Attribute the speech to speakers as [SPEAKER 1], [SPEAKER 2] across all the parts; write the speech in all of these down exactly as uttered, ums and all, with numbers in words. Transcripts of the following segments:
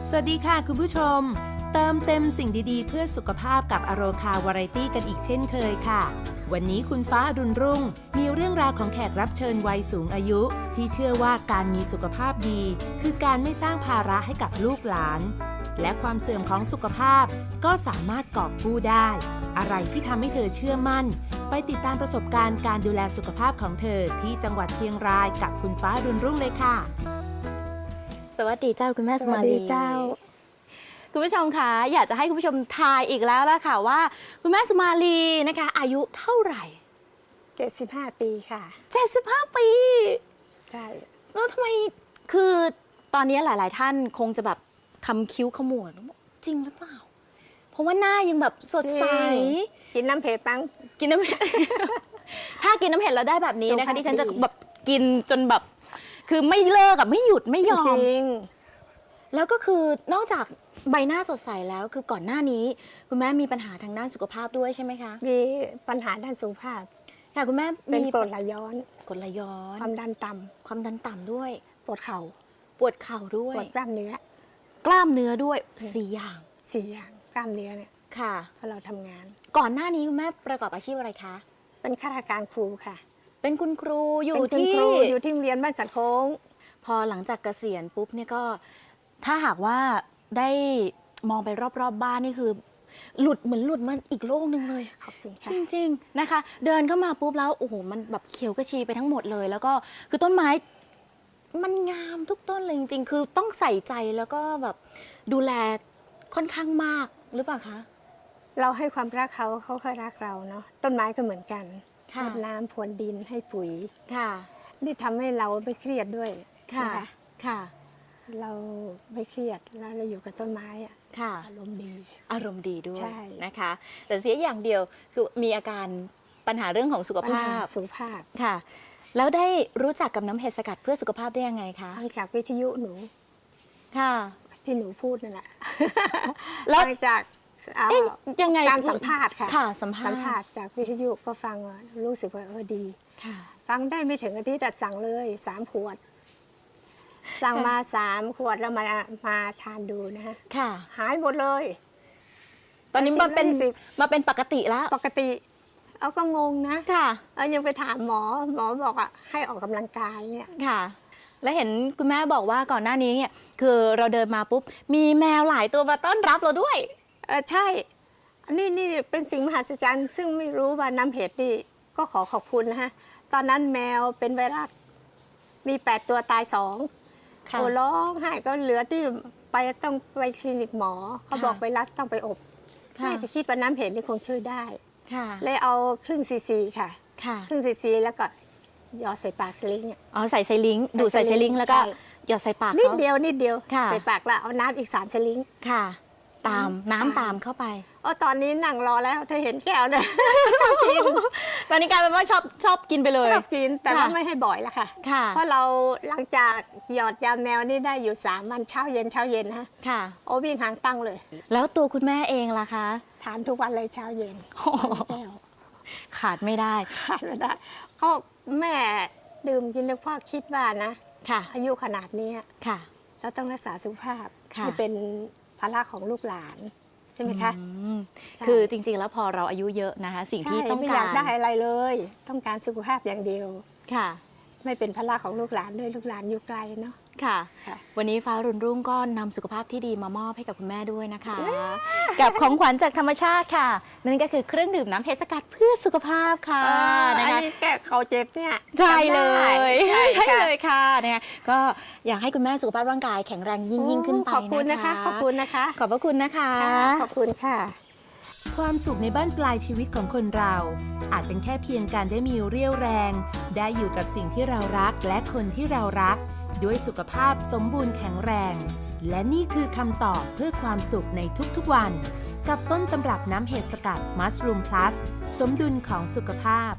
[SPEAKER 1] สวัสดีค่ะคุณผู้ชมเติมเต็มสิ่งดีๆเพื่อสุขภาพกับอโรคาวาไรตี้กันอีกเช่นเคยค่ะวันนี้คุณฟ้าอรุณรุ่งมีเรื่องราวของแขกรับเชิญวัยสูงอายุที่เชื่อว่าการมีสุขภาพดีคือการไม่สร้างภาระให้กับลูกหลานและความเสื่อมของสุขภาพก็สามารถกอบกู้ได้อะไรที่ทำให้เธอเชื่อมั่นไปติดตามประสบการณ์การดูแลสุขภาพของเธอที่จังหวัดเชียงรายกับคุณฟ้าอรุณรุ่งเลยค่ะ
[SPEAKER 2] สวัสดีเจ้าคุณแม่สมาลี
[SPEAKER 3] เจ้า
[SPEAKER 2] คุณผู้ชมคะอยากจะให้คุณผู้ชมทายอีกแล้วละค่ะว่าคุณแม่สมาลีนะคะอายุเท่าไหร่
[SPEAKER 3] เจ็ดสิบห้าปีค่ะ
[SPEAKER 2] เจ็ดสิบห้าปี
[SPEAKER 3] ใช่
[SPEAKER 2] แล้วทำไมคือตอนนี้หลายๆท่านคงจะแบบทำคิ้วขมวดจริงหรือเปล่าเพราะว่าหน้ายังแบบสดใส
[SPEAKER 3] กินน้ำเผ็ดปัง
[SPEAKER 2] กินน้ำเผ็ด ถ้ากินน้ำเผ็ดแล้วได้แบบนี้นะคะที่ฉันจะแบบกินจนแบบคือไม่เลิกอะไม่หยุดไม่ยอม
[SPEAKER 3] จริง
[SPEAKER 2] แล้วก็คือนอกจากใบหน้าสดใสแล้วคือก่อนหน้านี้คุณแม่มีปัญหาทางด้านสุขภาพด้วยใช่ไหมคะ
[SPEAKER 3] มีปัญหาด้านสุขภาพ
[SPEAKER 2] ค่ะคุณแม่
[SPEAKER 3] เป็นกรดไหลย้อน
[SPEAKER 2] กรดไหลย้อน
[SPEAKER 3] ความดันต่
[SPEAKER 2] ำความดันต่ำด้วย
[SPEAKER 3] ปวดเข่า
[SPEAKER 2] ปวดเข่าด้วย
[SPEAKER 3] ปวดกล้ามเนื้
[SPEAKER 2] อกล้ามเนื้อด้วยสี่อย่าง
[SPEAKER 3] สี่อย่างกล้ามเนื้อเนี่ย
[SPEAKER 2] ค่ะ
[SPEAKER 3] พอเราทำงาน
[SPEAKER 2] ก่อนหน้านี้คุณแม่ประกอบอาชีพอะไรคะ
[SPEAKER 3] เป็นข้าราชการครูค่ะ
[SPEAKER 2] เป็นคุณครูอยู่ที่
[SPEAKER 3] อยู่ที่โรงเรียนบ้านสันโค้ง
[SPEAKER 2] พอหลังจากเกษียณปุ๊บเนี่ยก็ถ้าหากว่าได้มองไปรอบๆ บ, บ้านนี่คือหลุดเหมือนหลุดมันอีกโลกนึงเลย
[SPEAKER 3] ขอบคุณค่ะ
[SPEAKER 2] จริงๆนะคะเดินเข้ามาปุ๊บแล้วโอ้โหมันแบบเขียวกระชีไปทั้งหมดเลยแล้วก็คือต้นไม้มันงามทุกต้นเลยจริงๆคือต้องใส่ใจแล้วก็แบบดูแลค่อนข้างมากหรือเปล่าคะ
[SPEAKER 3] เราให้ความรักเขาเขาก็รักเราเนาะต้นไม้ก็เหมือนกันรดน้ำพรวนดินให้ปุ๋ย
[SPEAKER 2] ค่ะ
[SPEAKER 3] นี่ทำให้เราไม่เครียดด้วย
[SPEAKER 2] ค่ะค่ะ
[SPEAKER 3] เราไม่เครียดแล้วเราอยู่กับต้นไม้อะอารมณ์ดี
[SPEAKER 2] อารมณ์ดีด้วยนะคะแต่เสียอย่างเดียวคือมีอาการปัญหาเรื่องของสุขภาพ
[SPEAKER 3] สุขภาพ
[SPEAKER 2] ค่ะแล้วได้รู้จักกับน้ำเห็ดสกัดเพื่อสุขภาพได้ยังไงคะ
[SPEAKER 3] ฟังจากวิทยุหนู
[SPEAKER 2] ค่ะ
[SPEAKER 3] ที่หนูพูดนั่นแหละ
[SPEAKER 2] แล้ว
[SPEAKER 3] ฟังจาก
[SPEAKER 2] ยังไง
[SPEAKER 3] การสัมภาษณ์ค่ะ
[SPEAKER 2] ค่ะสัมภาษณ์
[SPEAKER 3] สัมภาษณ์จากวิทยุก็ฟังรู้สึกว่าเออดีฟังได้ไม่ถึงอาทิตย์สั่งเลยสามขวดสั่งมาสามขวดแล้วมามาทานดูนะฮะ
[SPEAKER 2] ค่ะ
[SPEAKER 3] หายหมดเลย
[SPEAKER 2] ตอนนี้มาเป็นมาเป็นปกติแล้ว
[SPEAKER 3] ปกติเอาก็งงนะ
[SPEAKER 2] ค่ะ
[SPEAKER 3] เอายังไปถามหมอหมอบอกอ่ะให้ออกกำลังกายเนี่ย
[SPEAKER 2] ค่ะแล้วเห็นคุณแม่บอกว่าก่อนหน้านี้เนี่ยคือเราเดินมาปุ๊บมีแมวหลายตัวมาต้อนรับเราด้วย
[SPEAKER 3] เออใช่อันนี้นี่เป็นสิ่งมหัศจรรย์ซึ่งไม่รู้ว่าน้ำเห็ดนี่ก็ขอขอบคุณนะฮะตอนนั้นแมวเป็นไวรัสมีแปดตัวตายสองโอ้ร้องไห้ก็เหลือที่ไปต้องไปคลินิกหมอเขาบอกไวรัสต้องไปอบแม่คิดว่าน้ำเห็ดนี่คงช่วยได้เลยเอาครึ่งซีซีค่ะครึ่งซีซีแล้วก็หยอดใส่ปากสลิง
[SPEAKER 2] อ๋อใส่สลิงดูใส่สลิงแล้วก็หยอดใส่ปาก
[SPEAKER 3] นิดเดียวนิดเดียว
[SPEAKER 2] ใ
[SPEAKER 3] ส่ปากแล้วเอาน้ำอีกสามสลิง
[SPEAKER 2] ค่ะตามน้ำตามเข้าไป
[SPEAKER 3] อ๋อตอนนี้นั่งรอแล้วเธอเห็นแก้วเนี่ยชอบกิน
[SPEAKER 2] ตอนนี้กลายเป็นว่าชอบชอบกินไปเลย
[SPEAKER 3] ชอบกินแต่ว่าไม่ให้บ่อยแล้วค่ะเพราะเราหลังจากหยอดยาแมวนี่ได้อยู่สามวันเช้าเย็นเช้าเย็นนะ
[SPEAKER 2] ค่ะ
[SPEAKER 3] โอ้วิ่งหางตั้งเลย
[SPEAKER 2] แล้วตัวคุณแม่เองล่ะคะ
[SPEAKER 3] ทานทุกวันเลยเช้าเย็นแก้ว
[SPEAKER 2] ขาดไม่ได้
[SPEAKER 3] ขาดไม่ได้เขาแม่ดื่มกินด้วยพ่อคิดว่านะ
[SPEAKER 2] ค่ะ
[SPEAKER 3] อายุขนาดนี้
[SPEAKER 2] ค่ะ
[SPEAKER 3] เราต้องรักษาสุขภาพให้เป็นภาระของลูกหลานใช่ไหมคะ
[SPEAKER 2] คือจริงๆแล้วพอเราอายุเยอะนะคะสิ่งที่ต้องการไม่
[SPEAKER 3] อยากได้อะไรเลยต้องการสุขภาพอย่างเดียว
[SPEAKER 2] ค่ะ
[SPEAKER 3] ไม่เป็นภาระของลูกหลานด้วยลูกหลานอยู่ไกลเนาะ
[SPEAKER 2] ค่ะวันนี้ฟ้ารุ่นรุ่งก็นำสุขภาพที่ดีมามอบให้กับคุณแม่ด้วยนะคะกับของขวัญจากธรรมชาติค่ะนั่นก็คือเครื่องดื่มน้ำเห็ดสกัดเพื่อสุขภาพค่ะ
[SPEAKER 3] นะคะแก้เขาเจ็บเนี่ย
[SPEAKER 2] ใช่เลยใช่เลยค่ะเนี่ยก็อยากให้คุณแม่สุขภาพร่างกายแข็งแรงยิ่งยิ่งขึ้นไปนะคะ
[SPEAKER 3] ขอบคุณนะคะขอบคุณนะคะ
[SPEAKER 2] ขอบพระคุณนะคะ
[SPEAKER 3] ขอบคุณค่ะ
[SPEAKER 1] ความสุขในบ้านปลายชีวิตของคนเราอาจเป็นแค่เพียงการได้มีเรี่ยวแรงได้อยู่กับสิ่งที่เรารักและคนที่เรารักด้วยสุขภาพสมบูรณ์แข็งแรงและนี่คือคำตอบเพื่อความสุขในทุกๆวันกับต้นตำรับน้ำเห็ดสกัด Mushroom Plus สมดุลของสุขภาพ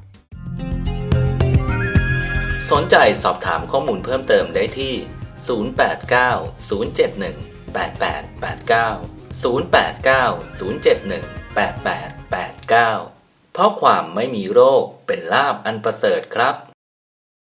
[SPEAKER 4] สนใจสอบถามข้อมูลเพิ่มเติมได้ที่ศูนย์ แปด เก้า ศูนย์ เจ็ด หนึ่ง แปด แปด แปด เก้า ศูนย์ แปด เก้า ศูนย์ เจ็ด หนึ่ง แปด แปด แปด เก้าเพราะความไม่มีโรคเป็นลาภอันประเสริฐครับ